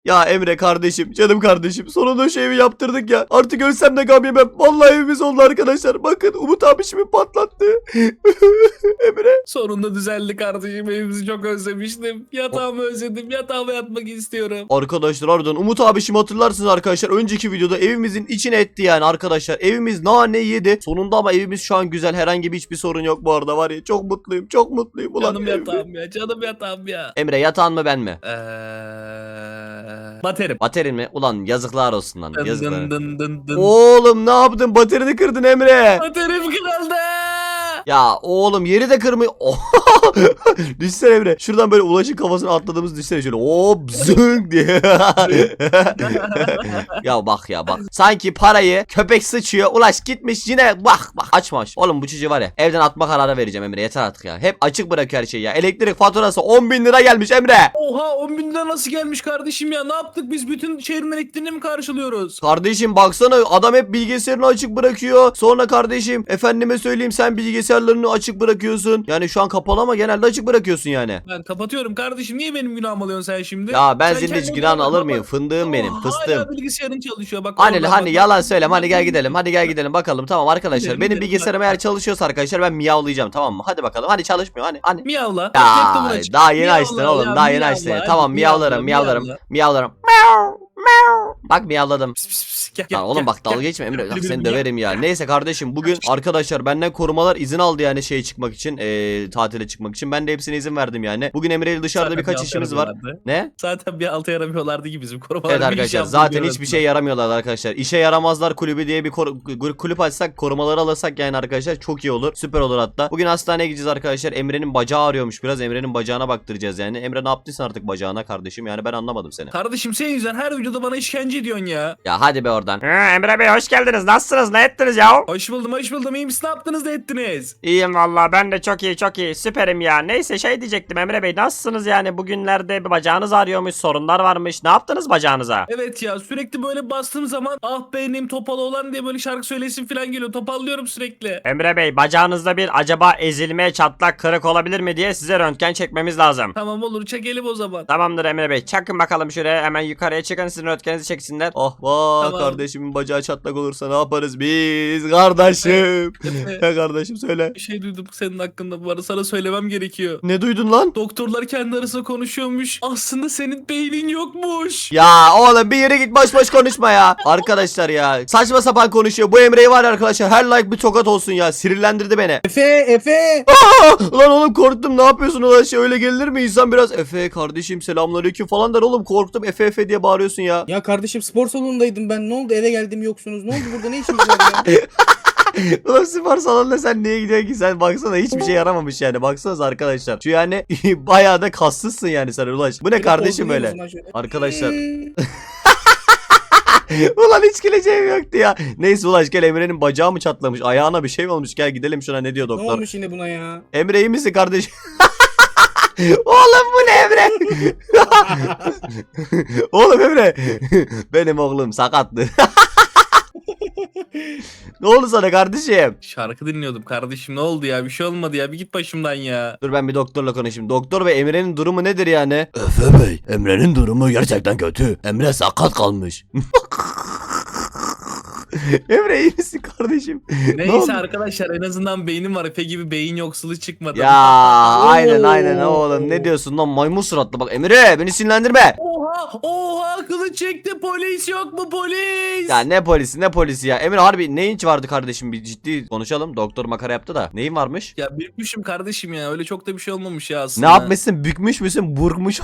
Ya Emre kardeşim, canım kardeşim, sonunda şu evi yaptırdık ya. Artık ölsem de gam yemem. Vallahi evimiz oldu arkadaşlar. Bakın Umut abi şimdi patlattı. Emre. Sonunda düzeldi kardeşim, evimizi çok özlemiştim. Yatağımı özledim, yatağıma yatmak istiyorum. Arkadaşlar harbiden Umut abi şimdi hatırlarsınız arkadaşlar. Önceki videoda evimizin içine etti yani arkadaşlar. Evimiz nane yedi. Sonunda ama evimiz şu an güzel. Herhangi bir hiçbir sorun yok bu arada var ya. Çok mutluyum, çok mutluyum. Ulan Canım yatağım ya, canım yatağım ya. Emre yatağın mı ben mi? Baterim. Baterin mi? Ulan yazıklar olsun lan. Dın Yazıklar. dın dın dın dın. Oğlum ne yaptın? Baterini kırdın Emre. Baterim kırıldı. Ya oğlum yeri de kırmıyor. Düşsene Emre. Şuradan böyle Ulaş'ın kafasına atladığımız düşsene şöyle. Hop zıng diye. Ya bak ya bak. Sanki parayı köpek sıçıyor. Ulaş gitmiş yine bak açmamış. Oğlum bu çocuğu var ya evden atma kararı vereceğim Emre. Yeter artık ya. Hep açık bırakıyor her şeyi ya. Elektrik faturası 10.000 lira gelmiş Emre. Oha, 10 bin lira nasıl gelmiş kardeşim ya? Ne yaptık biz, bütün şehrin elektriğini mi karşılıyoruz? Kardeşim baksana adam hep bilgisayarını açık bırakıyor. Sonra kardeşim efendime söyleyeyim sen bilgisayarlarını açık bırakıyorsun. Yani şu an kapalı ama genelde açık bırakıyorsun yani. Ben kapatıyorum kardeşim, niye benim günahımı alıyorsun sen şimdi? Ya ben Sen senin hiç kendin günahını alır bak- mıyım? Fındığım benim, Hala fıstığım. bilgisayarın çalışıyor bak. Hani oradan hani bak. yalan söyleme, hadi gel gidelim, hadi gel gidelim bakalım. Tamam arkadaşlar, Gidelim, benim gidelim. bilgisayarım eğer çalışıyorsa arkadaşlar ben miyavlayacağım, tamam mı? Hadi bakalım, hadi çalışmıyor, hani. Miyavla. Ya Bak, laptopun açık. daha yeni Miyavla açtın oğlum, ya, daha yeni miyavla, açtın. hadi Tamam miyavlarım, miyavla. miyavlarım. Bak miyavladım. Pis, pis, pis. Gel, Lan gel, oğlum gel, bak dalga gel. geçme Emre. Bak Gel, seni gel. döverim ya. Neyse kardeşim bugün arkadaşlar benden korumalar izin aldı yani şeye çıkmak için. Tatile çıkmak için. Ben de hepsine izin verdim yani. Bugün Emre ile dışarıda Zaten birkaç bir işimiz altı var. yaramıyorlardı. Ne? Zaten bir alta yaramıyorlardı ki bizim korumalar. Evet bir iş arkadaşlar yaptı zaten bir hiçbir arasında. şey yaramıyorlar arkadaşlar. İşe yaramazlar kulübü diye bir kulüp açsak, korumaları alırsak yani arkadaşlar çok iyi olur. Süper olur hatta. Bugün hastaneye gideceğiz arkadaşlar. Emre'nin bacağı ağrıyormuş biraz. Emre'nin bacağına baktıracağız yani. Emre ne yaptıysan artık bacağına kardeşim yani ben anlamadım seni. Kardeşim senin yüzünden her videoda bana işkence ediyorsun ya. Ya hadi be oradan. Emre Bey hoş geldiniz. Nasılsınız? Ne ettiniz ya? Hoş buldum, hoş buldum. İyi misin? Ne yaptınız da ettiniz? İyiyim vallahi ben de çok iyi süperim ya. Neyse şey diyecektim Emre Bey nasılsınız yani bugünlerde bir bacağınız ağrıyormuş, sorunlar varmış. Ne yaptınız bacağınıza? Evet ya, sürekli böyle bastığım zaman ah benim topalı olan diye böyle şarkı söylesin falan geliyor. Topallıyorum sürekli. Emre Bey bacağınızda bir acaba ezilme, çatlak, kırık olabilir mi diye size röntgen çekmemiz lazım. Tamam, olur, çekelim o zaman. Tamamdır Emre Bey. Çakın bakalım şuraya hemen yukarıya çıkın sizin röntgeninizi çeksinler. Oh vah Tamam. kardeşimin bacağı çatlak olursa ne yaparız biz kardeşim? Ya kardeşim söyle. Bir şey duydum senin hakkında, bu arada sana söylemem gerekiyor. Ne duydun lan? Doktorlar kendi arasında konuşuyormuş. Aslında senin beynin yokmuş. Ya oğlum bir yere git boş boş konuşma ya. Arkadaşlar ya saçma sapan konuşuyor. Bu Emre'yi var ya arkadaşlar her like bir tokat olsun ya. Sinirlendirdi beni. Efe. Lan oğlum korktum ne yapıyorsun ulan şey öyle gelir mi insan biraz Efe kardeşim selamünaleyküm falan der oğlum korktum Efe diye bağırıyorsun ya. Ya kardeşim spor salonundaydım ben. Ne oldu, eve geldim yoksunuz. Ne oldu, burada ne işiniz var ya? Ulan spor salonuna sen niye gidiyorsun ki sen baksana hiçbir şey yaramamış yani baksanıza arkadaşlar. Şu yani bayağı da kaslısın yani sen Ulaş. Bu ne kardeşim Böyle böyle? pozlayayım o zaman şöyle. Arkadaşlar. Ulan hiç güleceğim yoktu ya. Neyse Ulaş gel Emre'nin bacağı mı çatlamış ayağına bir şey mi olmuş gel gidelim şuna ne diyor Ne doktor. olmuş yine buna ya? Emre iyi misin kardeşim? Oğlum bu ne Emre? Oğlum Emre. Benim oğlum sakattı. Ne oldu sana kardeşim? Şarkı dinliyordum kardeşim, ne oldu ya, bir şey olmadı ya, bir git başımdan ya. Dur ben bir doktorla konuşayım. Doktor ve Emre'nin durumu nedir yani? Efe Bey, Emre'nin durumu gerçekten kötü. Emre sakat kalmış. Emre iyi misin kardeşim? Ne oldu? Neyse arkadaşlar, en azından beynim var, Efe gibi beyin yoksulu çıkmadı. Ya aynen oğlum ne diyorsun lan maymun suratlı bak Emre beni sinirlendirme. Oha kılıç çekti, polis yok mu polis? Ya ne polisi ya. Emre harbi neyin vardı kardeşim bir ciddi konuşalım. Doktor makara yaptı da. Neyin varmış? Ya bükmüşüm kardeşim ya, öyle çok da bir şey olmamış ya Ne aslında. yapmışsın? Bükmüş müsün? Burkmuş.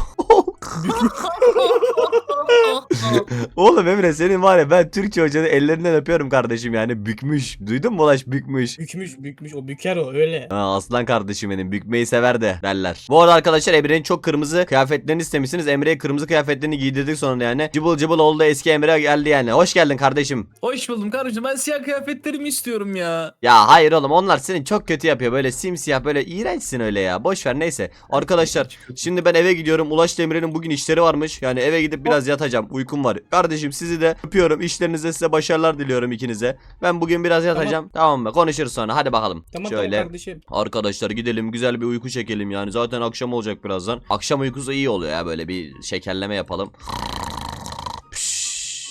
Oğlum Emre senin var ya ben Türkçe hocanın ellerinden öpüyorum kardeşim yani bükmüş. Duydun mu Ulaş bükmüş. Bükmüş o büker o öyle. Ha, aslan kardeşim benim bükmeyi sever de derler. Bu arada arkadaşlar Emre'nin çok kırmızı kıyafetlerini istemişsiniz. Emre'ye kırmızı kıyafetlerini giydirdik sonunda yani. Cıbıl cıbıl oldu eski Emre geldi yani. Hoş geldin kardeşim. Hoş buldum kardeşim, ben siyah kıyafetlerimi istiyorum ya. Ya hayır oğlum onlar seni çok kötü yapıyor. Böyle simsiyah böyle iğrençsin öyle ya. Boş ver neyse. Arkadaşlar şimdi ben eve gidiyorum. Ulaş Emre'nin bugün işleri varmış. Yani eve gidip biraz yatacağım. Uykum var. Kardeşim sizi de öpüyorum. İşlerinizde size başarılar diliyorum ikinize. Ben bugün biraz yatacağım. Tamam mı? Konuşuruz sonra. Hadi bakalım. Tamam Şöyle. tamam kardeşim. Arkadaşlar gidelim güzel bir uyku çekelim yani. Zaten akşam olacak birazdan. Akşam uykusu iyi oluyor ya böyle bir şekerleme yapalım.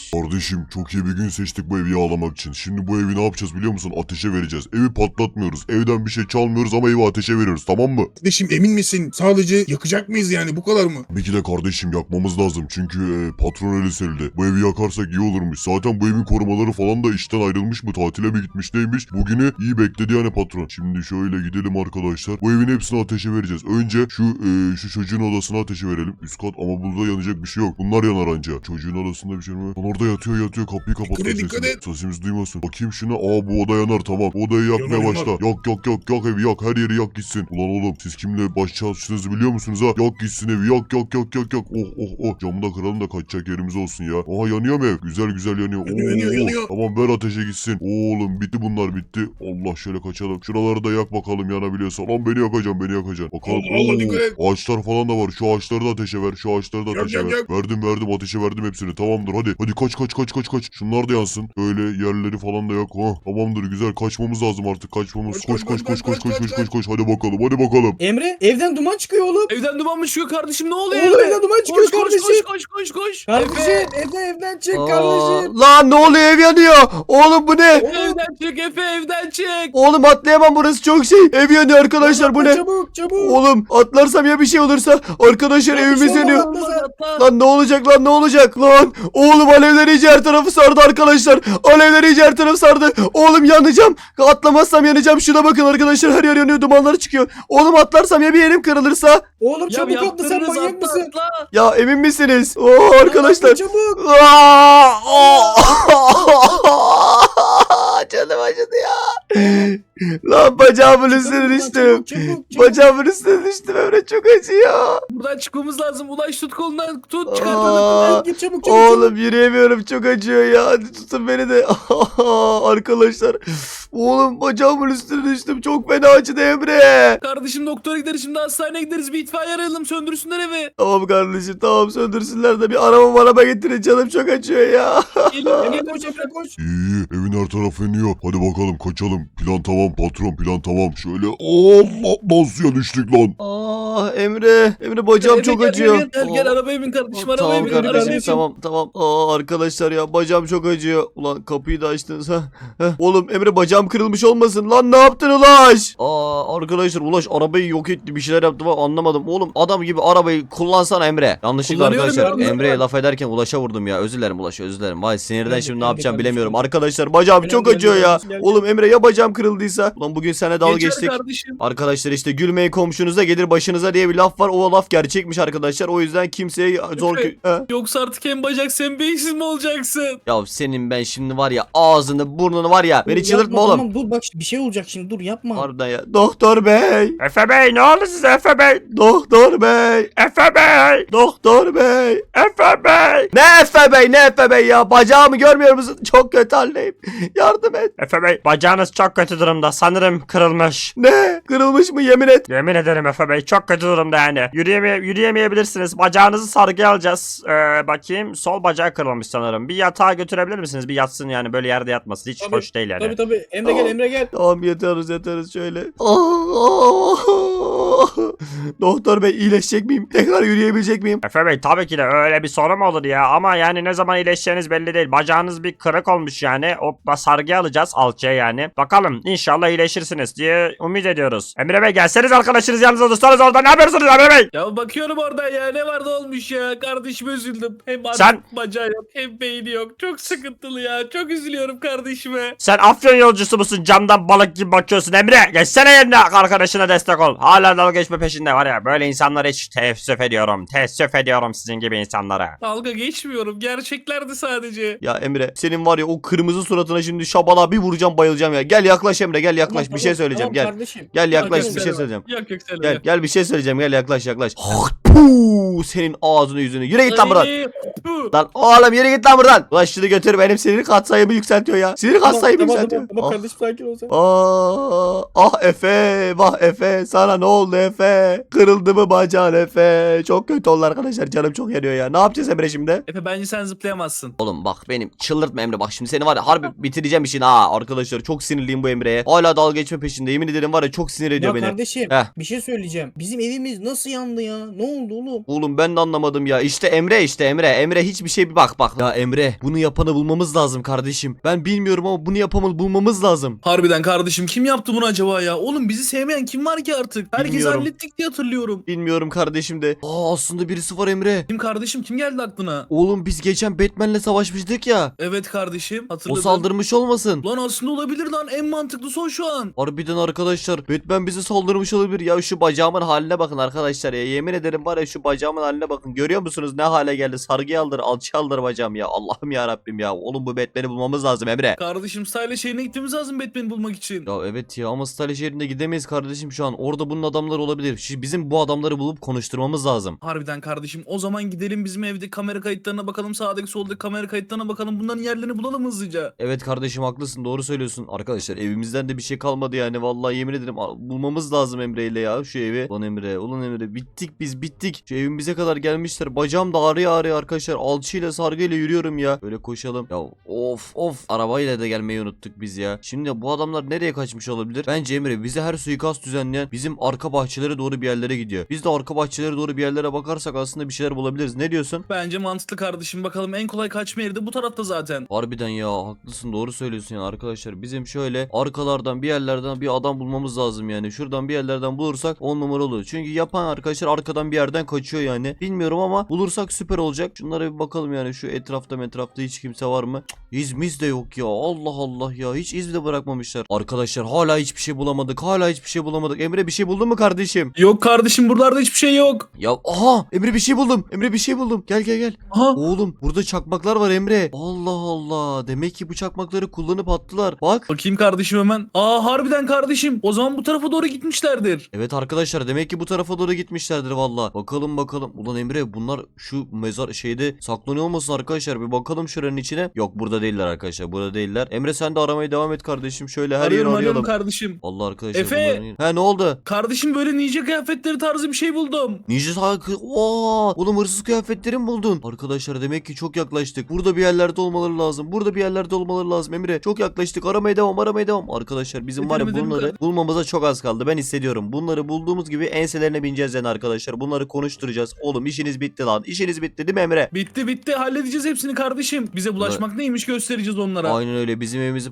Kardeşim çok iyi bir gün seçtik bu evi yağlamak için. Şimdi bu evi ne yapacağız biliyor musun? Ateşe vereceğiz. Evi patlatmıyoruz. Evden bir şey çalmıyoruz ama evi ateşe veriyoruz, tamam mı? Kardeşim emin misin? Sadece yakacak mıyız yani, bu kadar mı? Tabii ki de kardeşim yakmamız lazım. Çünkü patron öyle söyledi. Bu evi yakarsak iyi olurmuş. Zaten bu evin korumaları falan da işten ayrılmış mı? Tatile mi gitmiş neymiş? Bugünü iyi bekledi yani patron. Şimdi şöyle gidelim arkadaşlar. Bu evin hepsini ateşe vereceğiz. Önce şu çocuğun odasına ateşe verelim. Üst kat ama burada yanacak bir şey yok. Bunlar yanar anca. Çocuğun odasında bir şey mi? Lan orada yatıyor. Kapıyı kapatalım Dikkat sesini. et. Sesimiz duymasın. Bakayım şuna. Bu oda yanar, tamam. Bu odayı yakmaya Yanar, başla. yanar. Yak evi yak. Her yeri yak gitsin. Ulan oğlum siz kimle baş çalıştığınızı biliyor musunuz ha? Yak gitsin evi. Yak. Oh. Camı da kıralım da kaçacak yerimiz olsun ya. Aha yanıyor mu ev? Güzel yanıyor. Yanıyor. Tamam ver ateşe gitsin. Oğlum bitti bunlar bitti. Allah şöyle kaçalım. Şuraları da yak bakalım yanabiliyorsa. Lan beni yakacaksın. Bakalım. Allah, dikkat et. Ağaçlar falan da var. Şu ağaçları da ateşe ver. Yak, Ateşe ver. yak. Verdim ateşe verdim hepsini. Tamamdır hadi kaç. Şunlar da yansın. Öyle yerleri falan da yak. Tamamdır güzel kaçmamız lazım artık. Kaçmamız. Koş. Hadi bakalım. Emre evden duman çıkıyor oğlum. Evden duman mı çıkıyor kardeşim, ne oluyor Oğlum evde? evden duman çıkıyor kardeşim. Koş. Kardeşim evden çık kardeşim. Lan ne oluyor, ev yanıyor. Oğlum bu ne? Evden çık Efe, evden çık. Oğlum atlayamam, burası çok şey. Ev yanıyor arkadaşlar, bu ne? Çabuk. Oğlum atlarsam ya bir şey olursa arkadaşlar evimiz yanıyor. Lan ne olacak lan? Oğlum alevler iyice her tarafı sardı arkadaşlar. Oğlum yanacağım. Atlamazsam yanacağım. Şuna bakın arkadaşlar, her yer yanıyor, dumanlar çıkıyor. Oğlum atlarsam ya bir yerim kırılırsa? Oğlum çabuk atla, sen yaptınız, manyak mısın? atla. Ya emin misiniz? Arkadaşlar. Çabuk. Canım acıdı ya. Lan bacağımın üstüne düştüm. Çabuk. Bacağımın üstüne düştüm Emre, çok acıyor. Buradan çıkmamız lazım. Ulaş tut kolundan, tut Aa. çıkartalım. Git çabuk. Oğlum yürüyemiyorum, çok acıyor ya. Hadi tutun beni de. Arkadaşlar. Oğlum bacağımın üstüne düştüm. Çok fena acıdı Emre. Kardeşim doktora gideriz, şimdi hastaneye gideriz. Bir itfaiye arayalım, söndürsünler evi. Tamam kardeşim, tamam söndürsünler de bir araba getirin, canım çok acıyor ya. Gelin. Koş Emre koş. İyi evin her tarafı yanıyor. Hadi bakalım kaçalım. Plan tamam patron, plan tamam. Şöyle Allah nasıl düştük lan. Emre bacağım çok acıyor. Gel arabaya bin kardeşim, arabaya Tamam bin. kardeşim, Arabaya bin. tamam. Arkadaşlar ya bacağım çok acıyor. Ulan kapıyı da açtınız ha. Oğlum Emre bacağım kırılmış olmasın lan, ne yaptın Ulaş? Arkadaşlar Ulaş arabayı yok etti, bir şeyler yaptı ama anlamadım. Oğlum adam gibi arabayı kullansana Emre. Yanlışlıkla Kullanıyorum arkadaşlar ya, Emre'ye laf ederken Ulaş'a vurdum ya. Özür dilerim Ulaş, özür dilerim. Vay sinirden Ben de- şimdi ne ben de yapacağım kardeşim. bilemiyorum. Arkadaşlar bacağım Ben çok de- acıyor ya. ben de- Oğlum Emre ya bacağım kırıldıysa? Ulan bugün sana dalga Geçer geçtik. kardeşim. Arkadaşlar işte gülmeyin komşunuza gelir başınıza diye bir laf var. O laf gerçekmiş arkadaşlar. O yüzden kimseye zor... Efe. He? Yoksa artık hem bacak sen beyinsiz mi olacaksın? Ya senin ben şimdi var ya ağzını burnunu var ya. Beni Dur, çıldırtma yapma, oğlum. Tamam dur bak bir şey olacak şimdi, dur yapma. Harbiden ya. Doktor bey. Efe Bey ne oldu size Efe Bey? Doktor bey. Efe Bey! Doktor bey. Efe Bey! Ne Efe bey ya. Bacağımı görmüyor musun? Çok kötü haldeyim. Yardım et. Efe Bey bacağınız çok kötü durumda sanırım kırılmış. Ne? Kırılmış mı, yemin et. Yemin ederim Efe Bey çok kötü durumda yani. Yürüyemeyebilirsiniz. Bacağınızı sargıya alacağız. Bakayım sol bacağı kırılmış sanırım. Bir yatağa götürebilir misiniz? Bir yatsın yani böyle yerde yatmasın. Hiç Tabii, hoş değil yani. Tabii Emre gel. Tamam yatarız şöyle. Doktor bey iyileşecek miyim? Tekrar yürüyebilecek miyim? Efe Bey tabii ki de öyle bir sorun mu olur ya? Ama yani ne zaman iyileşeceğiniz belli değil. Bacağınız bir kırık olmuş yani. O sargıya alacağız alçıya yani. Bakalım inşallah iyileşirsiniz diye umut ediyoruz. Emre Bey gelseniz arkadaşınız yanınıza dursanız orada ne yapıyorsunuz Emre Bey? Ya bakıyorum oradan ya, ne var ne olmuş ya. Kardeşime üzüldüm. Hem artık Sen- bacağı yok hem beyni yok. Çok sıkıntılı ya. Çok üzülüyorum kardeşime. Sen Afyon yolcusu musun? Camdan balık gibi bakıyorsun Emre. Geçsene yerine arkadaşına destek ol. Hala dalga geçme peşinde var ya. Böyle insanlara hiç teessüf ediyorum. Teessüf ediyorum sizin gibi insanlara. Dalga geçmiyorum. Gerçeklerdi sadece. Ya Emre senin var ya o kırmızı suratına şimdi şabala bir vuracağım, bayılacağım ya. Gel yaklaş Emre, gel yaklaş, Tamam, bir şey söyleyeceğim, tamam gel. kardeşim. Gel yaklaş, Yok, bir şey söyleyeceğim. Yok söyle. Gel bir şey söyleyeceğim, gel yaklaş. Puh, senin ağzını yüzünü. Yürü git lan buradan. Lan oğlum yürü git lan buradan. Ulan şunu götür, benim sinir katsayımı yükseltiyor ya. Sinir katsayımı yükseltiyor. Tamam kardeşim sakin ol sen. Efe, vah Efe, sana ne oldu Efe? Kırıldı mı bacağın Efe? Çok kötü oldu arkadaşlar, canım çok yanıyor ya. Ne yapacağız Emre şimdi? Efe bence sen zıplayamazsın. Oğlum bak benim çıldırtma Emre, bak şimdi seni var ya harbi bitireceğim işini ha. Arkadaşlar çok sinirliyim bu Emre'ye. Hala dalga geçme peşinde, yemin ederim var ya çok sinir ediyor Ya beni. kardeşim Heh. bir şey söyleyeceğim. Bizim evimiz nasıl yandı ya? Ne oldu oğlum? Oğlum oğlum ben de anlamadım ya. İşte Emre Emre hiçbir şey bak. Ya Emre bunu yapanı bulmamız lazım kardeşim. Ben bilmiyorum ama bunu yapanı bulmamız lazım. Harbiden kardeşim kim yaptı bunu acaba ya? Oğlum bizi sevmeyen kim var ki artık? Herkes Bilmiyorum. hallettik diye hatırlıyorum. Bilmiyorum kardeşim de. Aslında birisi var Emre. Kim kardeşim kim geldi aklına? Oğlum biz geçen Batman'le savaşmıştık ya. Evet kardeşim O hatırladım. saldırmış olmasın? Lan aslında olabilir lan en mantıklısı o şu an. Harbiden arkadaşlar Batman bize saldırmış olabilir. Ya şu bacağımın haline bakın arkadaşlar ya. Yemin ederim var ya şu bacağımın haline bakın. Görüyor musunuz ne hale geldi? Sargı aldır, alçı aldır bacağım ya. Allah'ım ya Rabbim ya. Oğlum bu Batman'i bulmamız lazım Emre. Kardeşim Style şehrine gitmemiz lazım Batman'i bulmak için. Ya evet ya ama Style şehrine gidemeyiz kardeşim şu an. Orada bunun adamları olabilir. Şimdi bizim bu adamları bulup konuşturmamız lazım. Harbiden kardeşim o zaman gidelim bizim evde kamera kayıtlarına bakalım, sağdaki soldaki kamera kayıtlarına bakalım, bunların yerlerini bulalım hızlıca. Evet kardeşim haklısın, doğru söylüyorsun. Arkadaşlar evimizden de bir şey kalmadı yani. Vallahi yemin ederim bulmamız lazım Emre ile ya şu evi. Ulan Emre bittik biz bittik. Şu evimize kadar gelmişler. Bacağım da ağrıyor arkadaşlar. Alçıyla sargıyla yürüyorum ya. Böyle koşalım. Ya of arabayla da gelmeyi unuttuk biz ya. Şimdi bu adamlar nereye kaçmış olabilir? Bence Emre bize her suikast düzenleyen bizim arka bahçelere doğru bir yerlere gidiyor. Biz de arka bahçelere doğru bir yerlere bakarsak aslında bir şeyler bulabiliriz. Ne diyorsun? Bence mantıklı kardeşim, bakalım en kolay kaçma yeri de bu tarafta zaten. Harbiden ya haklısın, doğru söylüyorsun yani arkadaşlar. Bizim şöyle arkalardan bir yerlerden bir adam bulmamız lazım yani. Şuradan bir yerlerden bulursak 10 numara olur. Çünkü yapan arkadaşlar arkadan bir yerden kaçıyor yani. Bilmiyorum ama bulursak süper olacak. Şunlara bir bakalım yani şu etrafta hiç kimse var mı? İzmiz de yok ya. Allah Allah ya. Hiç iz de bırakmamışlar. Arkadaşlar hala hiçbir şey bulamadık. Emre bir şey buldun mu kardeşim? Yok kardeşim buralarda hiçbir şey yok. Ya aha Emre bir şey buldum. Gel. Aha. Oğlum burada çakmaklar var Emre. Allah Allah. Demek ki bu çakmakları kullanıp attılar. Bak. Bakayım kardeşim hemen. Aa harbiden kardeşim. O zaman bu tarafa doğru gitmişlerdir. Evet arkadaşlar demek ki bu tarafa doğru gitmişlerdir valla. Bakalım. Ulan Emre bunlar şu mezar şeyde saklanıyor olmasın arkadaşlar. Bir bakalım şuranın içine. Yok burada değiller arkadaşlar. Burada değiller. Emre sen de aramaya devam et kardeşim. Şöyle her yeri Arıyorum arayalım. kardeşim. Allah arkadaşlar. Efe! He ne oldu? Kardeşim böyle ninja kıyafetleri tarzı bir şey buldum. Ninja sakı. Oğlum hırsız kıyafetleri mi buldun? Arkadaşlar demek ki çok yaklaştık. Burada bir yerlerde olmaları lazım. Emre çok yaklaştık. Aramaya devam. Arkadaşlar bizim var ya Edelim, bunları edelim. bulmamıza çok az kaldı. Ben hissediyorum. Bunları bulduğumuz gibi enselerine bineceğiz yani arkadaşlar. Bunları konuşturacağız. Oğlum işiniz bitti lan. İşiniz bitti değil mi Emre? Bitti halledeceğiz hepsini kardeşim. Bize bulaşmak neymiş göstereceğiz onlara. Aynen öyle. Bizim evimizi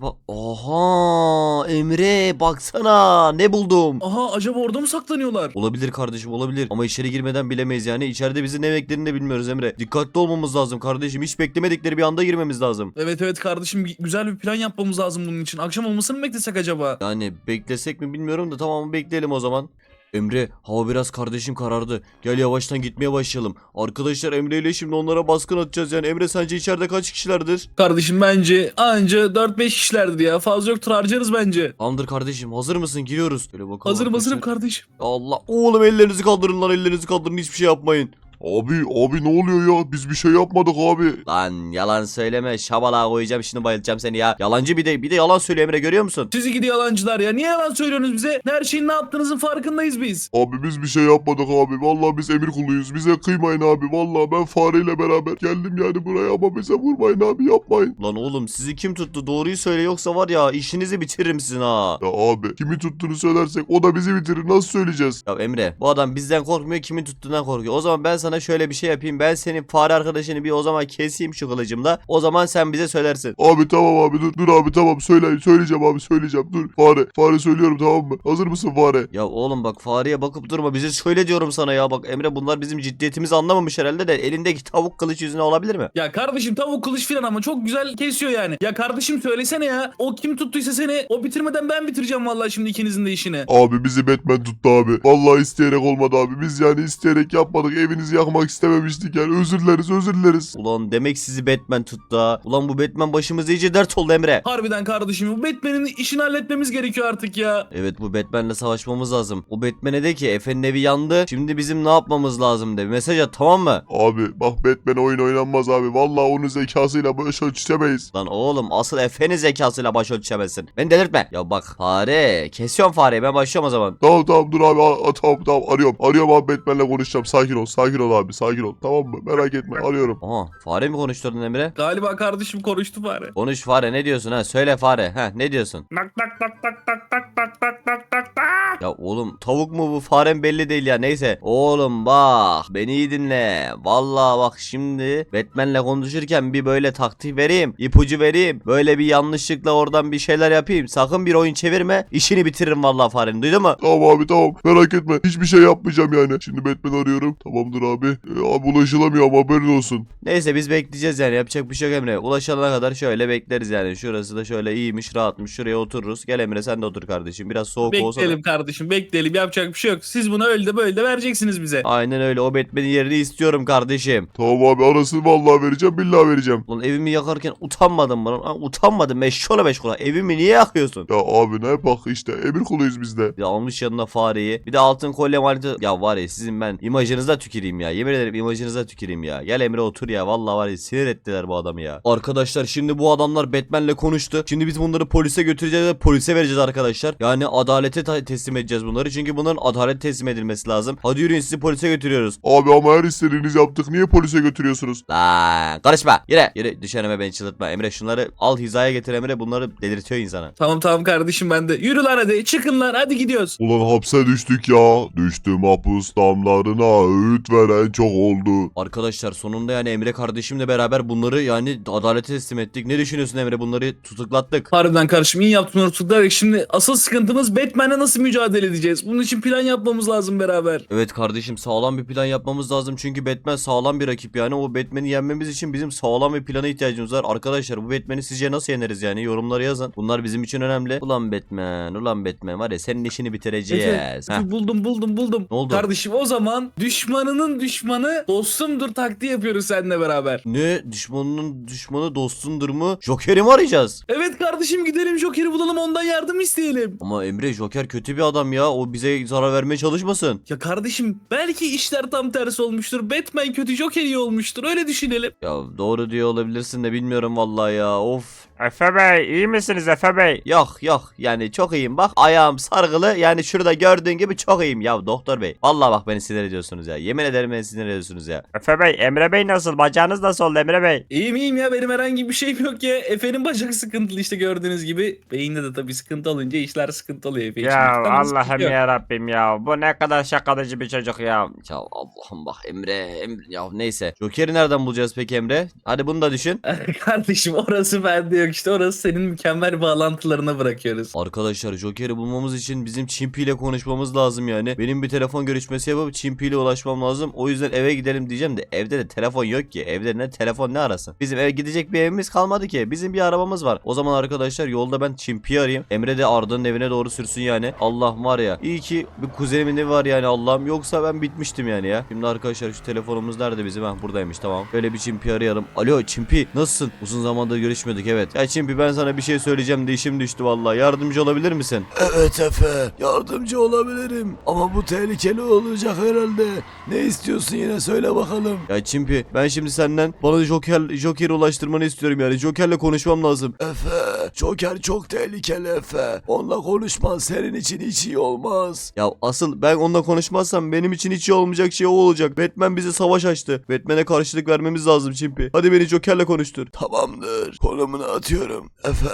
Aha Emre baksana ne buldum. Aha acaba orada mı saklanıyorlar? Olabilir kardeşim olabilir. Ama içeri girmeden bilemeyiz yani. İçeride bizi ne beklerini de bilmiyoruz Emre. Dikkatli olmamız lazım kardeşim. Hiç beklemedikleri bir anda girmemiz lazım. Evet kardeşim güzel bir plan yapmamız lazım bunun için. Akşam olmasını mı beklesek acaba? Yani beklesek mi bilmiyorum da tamam bekleyelim o zaman. Emre hava biraz kardeşim karardı. Gel yavaştan gitmeye başlayalım. Arkadaşlar Emre ile şimdi onlara baskın atacağız yani. Emre sence içeride kaç kişilerdir? Kardeşim bence anca 4-5 kişilerdir ya. Fazla yoktur harcarız bence. Tamamdır kardeşim hazır mısın? Giriyoruz. Böyle bakalım Hazırım arkadaşlar. kardeşim. Allah oğlum ellerinizi kaldırın lan, ellerinizi kaldırın, hiçbir şey yapmayın. Abi ne oluyor ya? Biz bir şey yapmadık abi. Lan yalan söyleme, şabalağa koyacağım şimdi, bayılacağım seni ya. Yalancı bir de yalan söylüyor Emre, görüyor musun? Sizi gidi yalancılar ya. Niye yalan söylüyorsunuz bize? Her şeyin ne yaptığınızın farkındayız biz. Abi biz bir şey yapmadık abi. Vallahi biz emir kuluyuz. Bize kıymayın abi. Vallahi ben fareyle beraber geldim yani buraya ama bize vurmayın abi, yapmayın. Lan oğlum sizi kim tuttu, doğruyu söyle yoksa var ya işinizi bitiririm sizin ha. Ya abi kimi tuttuğunu söylersek o da bizi bitirir. Nasıl söyleyeceğiz? Ya Emre bu adam bizden korkmuyor, kimin tuttuğundan korkuyor. O zaman ben sana şöyle bir şey yapayım. Ben senin fare arkadaşını bir o zaman keseyim şu kılıcımla. O zaman sen bize söylersin. Abi tamam abi dur abi tamam söyleyeceğim abi söyleyeceğim dur. Fare söylüyorum tamam mı? Hazır mısın fare? Ya oğlum bak fareye bakıp durma, bize söyle diyorum sana ya. Bak Emre bunlar bizim ciddiyetimizi anlamamış herhalde de elindeki tavuk kılıç yüzüne olabilir mi? Ya kardeşim tavuk kılıç filan ama çok güzel kesiyor yani. Ya kardeşim söylesene ya. O kim tuttuysa seni o bitirmeden ben bitireceğim vallahi şimdi ikinizin de işini. Abi bizi Batman tuttu abi. Vallahi isteyerek olmadı abi. Biz yani isteyerek yapmadık. Evinizi yakmak istememiştik yani. Özür dileriz. Ulan demek sizi Batman tuttu ha. Ulan bu Batman başımıza iyice dert oldu Emre. Harbiden kardeşim bu Batman'in işini halletmemiz gerekiyor artık ya. Evet bu Batman'le savaşmamız lazım. O Batman'e de ki Efe'nin evi yandı. Şimdi bizim ne yapmamız lazım de. Mesaj at, tamam mı? Abi bak Batman oyun oynanmaz abi. Vallahi onun zekasıyla baş ölçüşemeyiz. Lan oğlum asıl Efe'nin zekasıyla baş ölçemezsin. Beni delirtme. Ya bak fare. Kesiyorum fareyi, ben başlıyorum o zaman. Tamam dur abi tamam arıyorum abi Batman'le konuşacağım. Sakin ol abi sakin ol, tamam mı? Merak etme arıyorum. Aha fare mi konuşturdun Emre? Galiba kardeşim konuştu bari. Konuş fare, ne diyorsun ha? Söyle fare. Ha ne diyorsun? Tak tak tak tak tak tak tak tak tak tak tak. Ya oğlum tavuk mu bu farem belli değil ya, neyse. Oğlum bak beni iyi dinle. Vallahi bak şimdi Batman'le konuşurken bir böyle taktik vereyim, ipucu vereyim. Böyle bir yanlışlıkla oradan bir şeyler yapayım. Sakın bir oyun çevirme, işini bitiririm vallahi farenin, duydun mu? Tamam abi tamam. Merak etme. Hiçbir şey yapmayacağım yani. Şimdi Batman arıyorum. Tamamdır abi. Abi ulaşılamıyor ama haberin olsun. Neyse biz bekleyeceğiz yani, yapacak bir şey yok Emre. Ulaşana kadar şöyle bekleriz yani. Şurası da şöyle iyiymiş, rahatmış. Şuraya otururuz. Gel Emre sen de otur kardeşim. Biraz soğuk olsa da. Bekleyelim kardeşim, bekleyelim, yapacak bir şey yok. Siz buna öyle de böyle de vereceksiniz bize. Aynen öyle, o Batman'in yerini istiyorum kardeşim. Tamam abi arasını vallahi vereceğim. Billahi vereceğim. Lan evimi yakarken utanmadın mı lan? Ha, utanmadım meşkola meşkola. Evimi niye yakıyorsun? Ya abi ne bak işte emir kuluyuz biz de. Bir de almış yanına fareyi. Bir de altın kolye manita. Ya var ya sizin ben imajınıza tüküreyim ya. Yemin ederim imajınıza tüküreyim ya. Gel Emre otur ya. Vallahi var ya sinir ettiler bu adamı ya. Arkadaşlar şimdi bu adamlar Batman'le konuştu. Şimdi biz bunları polise götüreceğiz ve polise vereceğiz arkadaşlar. Yani adalete teslim edeceğiz bunları. Çünkü bunların adalet teslim edilmesi lazım. Hadi yürüyün, sizi polise götürüyoruz. Abi ama her istediğinizi yaptık. Niye polise götürüyorsunuz? Lan karışma. Yürü. Yürü düş önüme, beni çıldırtma. Emre şunları al hizaya getir Emre. Bunları delirtiyor insana. Tamam tamam kardeşim, ben de. Yürü lan hadi, çıkın lan, hadi gidiyoruz. Ulan hapse düştük ya. Düştüm hapus damlarına. Öğüt veren çok oldu. Arkadaşlar sonunda yani Emre kardeşimle beraber bunları yani adalete teslim ettik. Ne düşünüyorsun Emre? Bunları tutuklattık. Harbiden kardeşim, iyi yaptın onu tutuklayarak. Şimdi asıl sıkıntımız Batman'le nasıl mücadele edeceğiz? Bunun için plan yapmamız lazım beraber. Evet kardeşim, sağlam bir plan yapmamız lazım. Çünkü Batman sağlam bir rakip yani. O Batman'i yenmemiz için bizim sağlam bir plana ihtiyacımız var. Arkadaşlar bu Batman'i sizce nasıl yeneriz yani? Yorumlara yazın. Bunlar bizim için önemli. Ulan Batman var ya, senin işini bitireceğiz. Heh. Buldum. Ne oldu? Kardeşim o zaman düşmanının düşmanı dostumdur taktiği yapıyoruz seninle beraber. Ne? Düşmanının düşmanı dostundur mu? Joker'i mi arayacağız? Evet kardeşim, gidelim Joker'i bulalım, ondan yardım isteyelim. Ama Emre Joker kötü bir adam ya. O bize zarar vermeye çalışmasın. Ya kardeşim, belki işler tam tersi olmuştur. Batman kötü, Joker iyi olmuştur. Öyle düşünelim. Ya doğru diyor olabilirsin de bilmiyorum vallahi ya. Of. Efe Bey iyi misiniz Efe Bey? Yok yani çok iyiyim, bak ayağım sargılı yani, şurada gördüğün gibi çok iyiyim ya doktor bey. Vallahi bak beni sinir ediyorsunuz ya, yemin ederim beni sinir ediyorsunuz ya. Efe Bey, Emre Bey nasıl? Bacağınız nasıl oldu Emre Bey? İyiyim ya, benim herhangi bir şeyim yok ya. Efe'nin bacak sıkıntılı işte, gördüğünüz gibi. Beyinde de tabii sıkıntı olunca işler sıkıntı oluyor Efe için. Ya Ama sıkıntı Allah'ım yok. ya Rabbim ya. Bu ne kadar şakacı bir çocuk ya. Ya Allah'ım bak Emre ya neyse. Joker'i nereden bulacağız peki Emre? Hadi bunu da düşün. Kardeşim orası bende yok işte, orası senin mükemmel bağlantılarına bırakıyoruz. Arkadaşlar Joker'i bulmamız için bizim Çimpi ile konuşmamız lazım yani. Benim bir telefon görüşmesi yapıp Çimpi ile ulaşmam lazım. O yüzden eve gidelim diyeceğim de evde de telefon yok ki. Evde ne telefon ne arasın? Bizim eve gidecek bir evimiz kalmadı ki. Bizim bir arabamız var. O zaman arkadaşlar yolda ben Çimpi'yi arayayım. Emre de Arda'nın evine doğru sürsün yani. Allah var ya. İyi ki bir kuzenimin evi var yani Allah'ım. Yoksa ben bitmiştim yani ya. Şimdi arkadaşlar şu telefonumuz nerede bizim? Ha buradaymış tamam. Böyle bir Çimpi arayalım. Alo Çimpi nasılsın? Uzun zamandır görüşmüyorduk evet. Ya Çimpi ben sana bir şey söyleyeceğim de işim düştü vallahi. Yardımcı olabilir misin? Evet Efe, yardımcı olabilirim ama bu tehlikeli olacak herhalde. Ne istiyorsun yine söyle bakalım. Ya Çimpi ben şimdi senden bana Joker'i ulaştırmanı istiyorum yani. Joker'le konuşmam lazım. Efe, Joker çok tehlikeli Efe. Onunla konuşman senin için hiç iyi olmaz. Ya asıl ben onunla konuşmazsam benim için hiç iyi olmayacak şey o olacak. Batman bize savaş açtı. Batman'e karşılık vermemiz lazım Çimpi. Hadi beni Joker'le konuştur. Tamamdır, konumunu atıyorum Efe.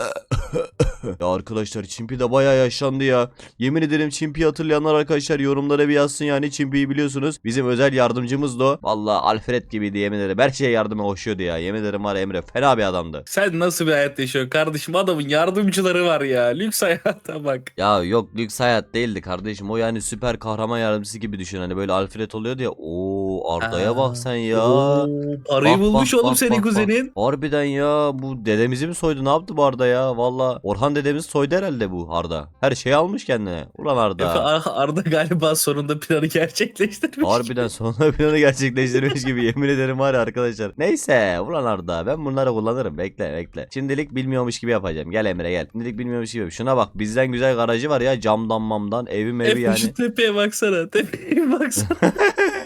Ya arkadaşlar Çimpi de bayağı yaşlandı ya. Yemin ederim Çimpi'yi hatırlayanlar arkadaşlar yorumlara bir yazsın yani. Çimpi'yi biliyorsunuz. Bizim özel yardımcımız da o. Vallahi Alfred gibiydi yemin ederim. Her şeye yardıma koşuyordu ya. Yemin ederim var ya Emre fena bir adamdı. Sen nasıl bir hayat yaşıyorsun kardeşim? Adamın yardımcıları var ya. Lüks hayata bak. Ya yok lüks hayat değildi kardeşim. O yani süper kahraman yardımcısı gibi düşün. Hani böyle Alfred oluyordu ya. Oo Arda'ya bak sen ya. Oo, parayı Bak, bulmuş bak, oğlum bak, senin bak, kuzenin. bak. Harbiden ya bu dedemizi mi soydu ne yaptı bu Arda ya valla. Orhan dedemiz soydu herhalde bu Arda. Her şeyi almış kendine. Ulan Arda. Arda galiba sonunda planı gerçekleştirmiş. Harbiden sonunda planı gerçekleştirmiş gibi yemin ederim var ya arkadaşlar. Neyse ulan Arda ben bunları kullanırım bekle. Şimdilik bilmiyormuş gibi yapacağım. Gel Emre gel. Şimdilik bilmiyormuş gibi. Şuna bak bizden güzel garajı var ya camdan mamdan evim evi Efe yani. şu tepeye baksana. Tepeye baksana.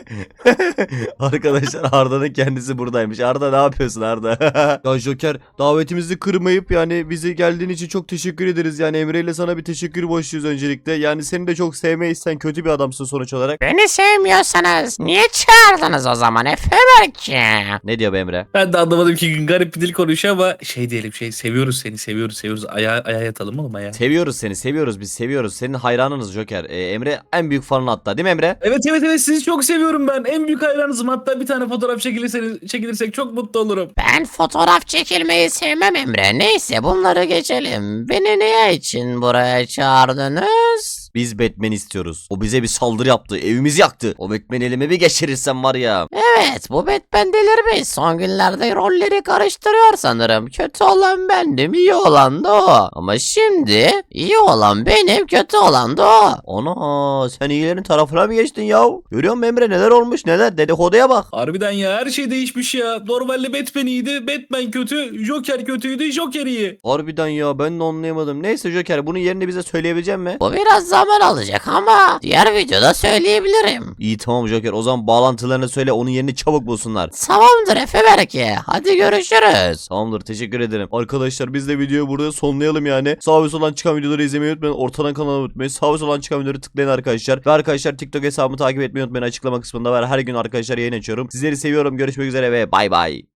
Arkadaşlar Arda'nın kendisi buradaymış. Arda ne yapıyorsun Arda? Ya Joker davetimizi kırmayıp yani bizi geldiğin için çok teşekkür ederiz. Yani Emre ile sana bir teşekkür borçluyuz öncelikle. Yani seni de çok sevmeyiz. Sen kötü bir adamsın sonuç olarak. Beni sevmiyorsanız niye çağırdınız o zaman Efe belki? Ne diyor be Emre? Ben de anlamadım ki garip bir dil konuşuyor ama şey diyelim seviyoruz seni seviyoruz. Ayağa yatalım oğlum ayağa. Seviyoruz seni, seviyoruz, biz seviyoruz. Senin hayranınız Joker. Emre en büyük fanın hatta, değil mi Emre? Evet sizi çok seviyorum ben. En büyük hayranınızım. Hatta bir tane fotoğraf çekilirsek çok mutlu olurum. Ben fotoğraf çekilmeyi sevmem Emre. Neyse bunları geçelim. Beni niye için buraya çağırdınız? Biz Batman istiyoruz. O bize bir saldırı yaptı. Evimizi yaktı. O Batman elime bir geçirirsem var ya. Evet bu Batman delirmiş. Son günlerde rolleri karıştırıyor sanırım. Kötü olan bendim, iyi olan da o. Ama şimdi iyi olan benim, kötü olan da o. Ana sen iyilerin tarafına mı geçtin ya? Görüyor musun Emre neler olmuş neler? Dedikoduya bak. Harbiden ya her şey değişmiş ya. Normalde Batman iyiydi. Batman kötü. Joker kötüydü. Joker iyi. Harbiden ya ben de anlayamadım. Neyse Joker bunun yerini bize söyleyebilecek mi? Bu biraz zaman alacak ama diğer videoda söyleyebilirim. İyi tamam Joker o zaman bağlantılarını söyle onun yerini çabuk bulsunlar. Tamamdır Efe belki. Hadi görüşürüz. Tamamdır teşekkür ederim. Arkadaşlar biz de videoyu burada sonlayalım yani. Sağ ve soldan çıkan videoları izlemeyi unutmayın. Ortadan kanalı unutmayın. Sağ ve soldan çıkan videoları tıklayın arkadaşlar. Ve arkadaşlar TikTok hesabımı takip etmeyi unutmayın. Açıklama kısmında var. Her gün arkadaşlar yayın açıyorum. Sizleri seviyorum. Görüşmek üzere ve bay bay.